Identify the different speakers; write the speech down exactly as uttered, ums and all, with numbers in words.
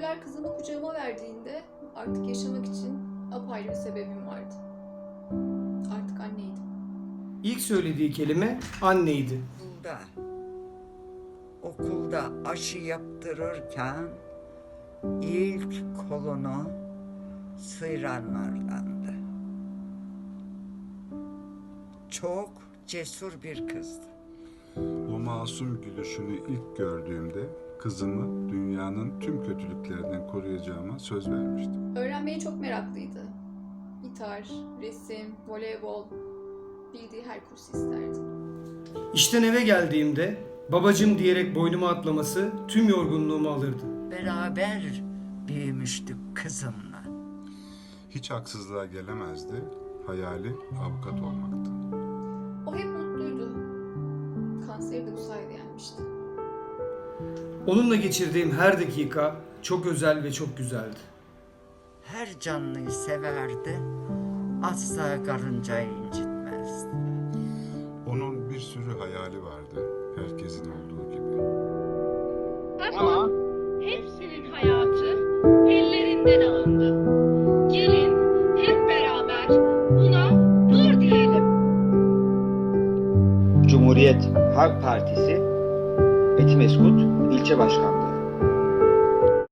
Speaker 1: Kanserler kızımı kucağıma verdiğinde artık yaşamak için apayrı bir sebebim vardı. Artık anneydim.
Speaker 2: İlk söylediği kelime anneydi.
Speaker 3: Okulda, okulda aşı yaptırırken ilk kolunu sıyıranlardandı. Çok cesur bir kızdı.
Speaker 4: O masum gülüşünü ilk gördüğümde kızımı dünyanın tüm kötülüklerinden koruyacağıma söz vermiştim.
Speaker 1: Öğrenmeye çok meraklıydı. Gitar, resim, voleybol, bildiği her kursu isterdi.
Speaker 2: İşten eve geldiğimde babacım diyerek boynuma atlaması tüm yorgunluğumu alırdı.
Speaker 3: Beraber büyümüştük kızımla.
Speaker 4: Hiç haksızlığa gelemezdi, hayali avukat olmaktı.
Speaker 1: O hep mutluydu. Kanseri de bu sayede yenmişti.
Speaker 2: Onunla geçirdiğim her dakika çok özel ve çok güzeldi.
Speaker 3: Her canlıyı severdi, asla karıncayı incitmezdi.
Speaker 4: Onun bir sürü hayali vardı, herkesin olduğu gibi.
Speaker 5: Ama hepsinin hayatı ellerinden alındı. Gelin hep beraber buna dur diyelim.
Speaker 6: Cumhuriyet Halk Partisi Etimeskut İlçe Başkanlığı.